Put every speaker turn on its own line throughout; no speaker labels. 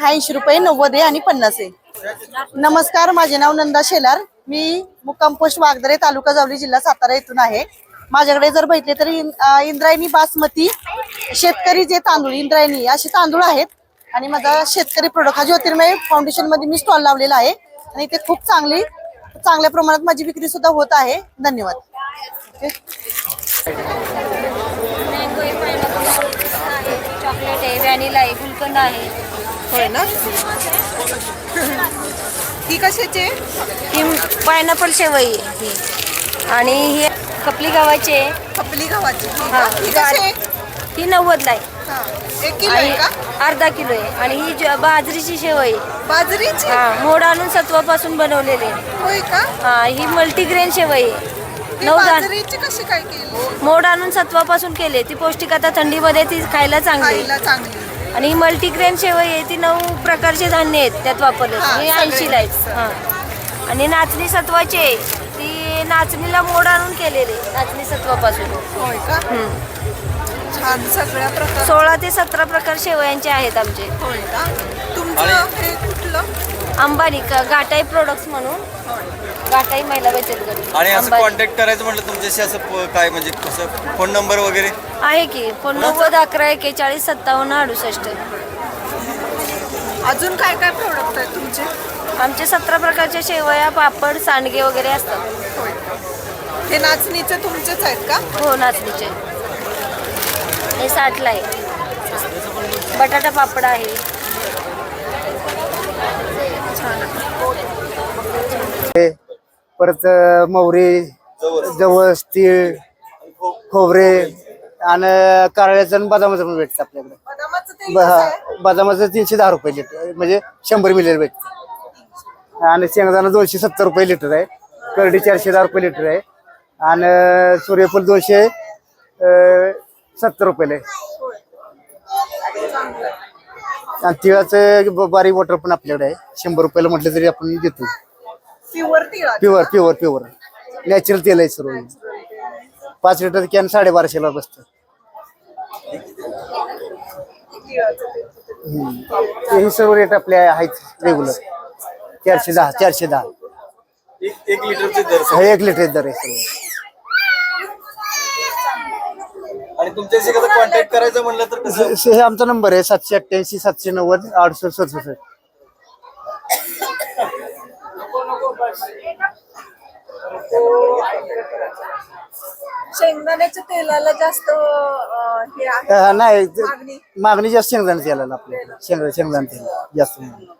80 रुपये, 90 आणि 50 आहे. नमस्कार, माझे नाव नंदा शेलार. मी मुक्काम पोस्ट वागदरे, तालुका जावली, जिल्हा सातारा येथून आहे. माझ्याकडे जर बघितले तर इंद्रायणी बासमती शेतकरी जे तांदूळ, इंद्रायणी असे तांदूळ आहेत. आणि माझा शेतकरी प्रोडक्ट हा ज्योतिर्मय फाउंडेशन मध्ये मी स्टॉल लावलेला आहे आणि ते खूप चांगल्या प्रमाणात माझी विक्री सुद्धा होत आहे. धन्यवाद.
चॉकलेट आहे, व्हॅनिला आहे, गुलकंद आहे.
होय ना. ही कशाची?
ही पायनॅपल शेवई आहे ही. आणि ही खपली गव्हाची आहे.
खपली गव्हाची.
हा,
ही कशी आहे?
ही 90ला आहे.
1 किलो आहे का?
अर्धा किलो आहे. आणि ही बाजरीची शेवई.
बाजरीची?
हा, मोड आणून सत्वापासून बनवलेली आहे.
होय का?
हा, ही मल्टीग्रेन शेवई आहे.
बाजरीची कशी काय केली?
मोड आणून सत्वापासून केली. ती पौष्टिक, आता थंडीमध्ये ती खायला चांगली. आणि ही मल्टीग्रेन शेवई आहे, ती 9 प्रकारचे धान्य आहेत त्यात वापरले. हे 80ला आहेत. हा. आणि नाचणी सत्वाची आहे, ती नाचणीला मोड आणून केलेली, नाचणी सत्वापासून.
होय का? छान. सगळ्या प्रकार
16 ते 17 प्रकार शेवयांचे आहेत आमचे.
होय का? तुमचं हे कुठलं?
अंबानी घाटाई प्रोडक्ट्स म्हणून, घाटाई महिला बचत गट.
आणि असं कॉन्टॅक्ट करायचं म्हटलं तुमच्याशी असं काय, म्हणजे कसं, फोन नंबर वगैरे
आहे की? फोन 90 11 41 57 68.
अजून काय काय प्रोडक्ट आहेत तुमचे?
आमचे 17 प्रकारच्या शेवया, पापड, सांडगे वगैरे असतात.
होय. हे नाचणीचे तुमचेच आहेत का?
हो, नाचणीचे. हे 60ला आहे. बटाटा पापड आहे.
परत मोहरी, जवस, तीळ, खोबरे आणि कारळ्याचं आणि बदामाचं पण भेटतं आपल्याकडे.
बदामाचं तेल कसं आहे?
बदामाचं 310 रुपये लिटर, म्हणजे 100 मिली भेटतं. आणि शेंगदाणा 270 रुपये लिटर आहे. करडी 410 रुपये लिटर आहे. आणि सूर्यफूल 270 रुपये आहे. आणि तिळाचं बारीक वॉटर पण आपल्याकडे आहे. 100 रुपयाला म्हटलं तरी आपण देतो. प्युअर नॅचरल तेल आहे सर्व. 5 लिटर कॅन 1250 बसतं. हे सर्व रेट आपले आहेत रेग्युलर. 410
एक लिटरचे दर.
1 लिटर दर आहे सर्व.
आणि तुमच्याशी कसं कॉन्टॅक्ट करायचं म्हणलं तर कसं?
हे आमचा नंबर आहे 788 790 6867.
शेंगदाण्याच्या तेलाला जास्त हे आहे
नाही,
मागणी.
मागणी जास्त शेंगदाणा तेलाला आपल्याकडे. शेंगदाणा तेल जास्त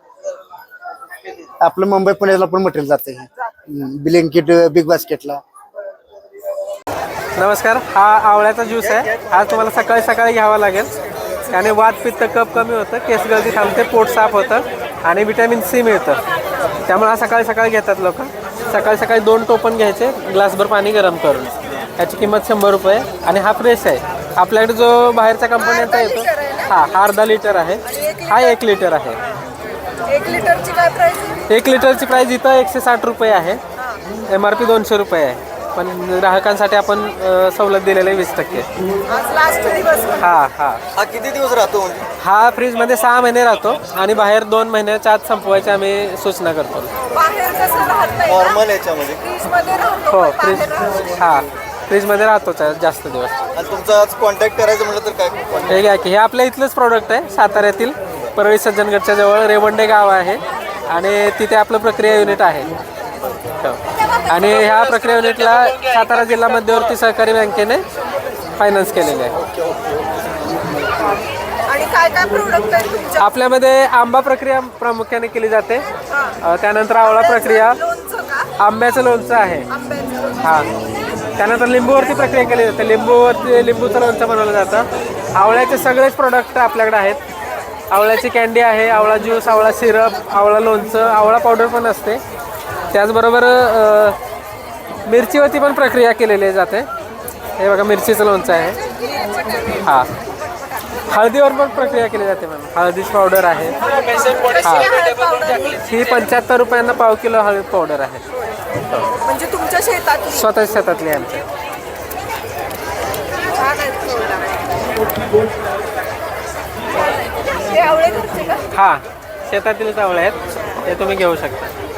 आपलं मुंबई पुण्याला पण मटेरियल जातं. ब्लिंकिट, बिग बास्केटला.
नमस्कार, हा आवळ्याचा ज्यूस आहे. हा तुम्हाला सकाळी सकाळी घ्यावा लागेल. त्याने वात, पित्त, कफ कमी होतं, केस गळती थांबते, पोट साफ होतं आणि व्हिटॅमिन सी मिळतं. त्यामुळे हा सकाळी सकाळी घेतात लोक. सकाळी सकाळी 2 टोपण घ्यायचे, ग्लासभर पाणी गरम करून. याची किंमत 100 रुपये. आणि हा फ्रेश आहे. आपल्याकडे जो बाहेरच्या कंपन्यांचा येतो हा अर्धा लिटर आहे. हा 1 लिटर आहे.
1 लिटरची काय प्राइस?
1 लिटरची प्राइस इथं 160 रुपये आहे. MRP 200 रुपये आहे. पण ग्राहकांसाठी आपण सवलत दिलेली आहे 20%.
आज लास्ट दिवस.
हा किती दिवस राहतो?
हा फ्रीजमध्ये 6 महिने राहतो आणि बाहेर 2 महिन्याच्या आत संपवायची आम्ही सूचना करतो.
बाहेर कसं राहत नाही
नॉर्मल याच्यामध्ये?
फ्रीज मध्ये राहतो.
हो, फ्रीजमध्ये राहतो जास्त दिवस.
आणि तुमचा आज कॉन्टॅक्ट करायचं म्हटलं तर काय?
हे घ्या की, हे आपल्या इथलंच प्रोडक्ट आहे. साताऱ्यातील परळी सज्जनगडच्या जवळ रेवंडे गाव आहे आणि तिथे आपलं प्रक्रिया युनिट आहे. आणि ह्या प्रक्रिया युनिटला सातारा जिल्हा मध्यवर्ती सहकारी बँकेने फायनान्स केलेले आहे.
आणि काय काय प्रोडक्ट आहे तुमच्या?
आपल्यामध्ये आंबा प्रक्रिया प्रामुख्याने केली जाते. त्यानंतर आवळा प्रक्रिया, आंब्याचं लोणचं आहे. हां, त्यानंतर लिंबूवरती प्रक्रिया केली जाते. लिंबूचं लोणचं बनवलं जातं. आवळ्याचे सगळेच प्रोडक्ट आपल्याकडे आहेत. आवळ्याची कॅन्डी आहे, आवळा ज्यूस, आवळा सिरप, आवळा लोणचं, आवळा पावडर पण असते. त्याचबरोबर मिरचीवरती पण प्रक्रिया केलेली जाते. हे बघा, मिरचीचं लोणचं आहे. हां, हळदीवर पण प्रक्रिया केली जाते मॅम. हळदीची पावडर आहे. हां, ही 75 रुपयांना पाव किलो हळद पावडर आहे.
म्हणजे तुमच्या शेतात?
स्वतःच्या शेतातली आमच्या.
हे आवळे घरचे का?
हां, शेतातील आवळे आहेत ते तुम्ही घेऊ शकता.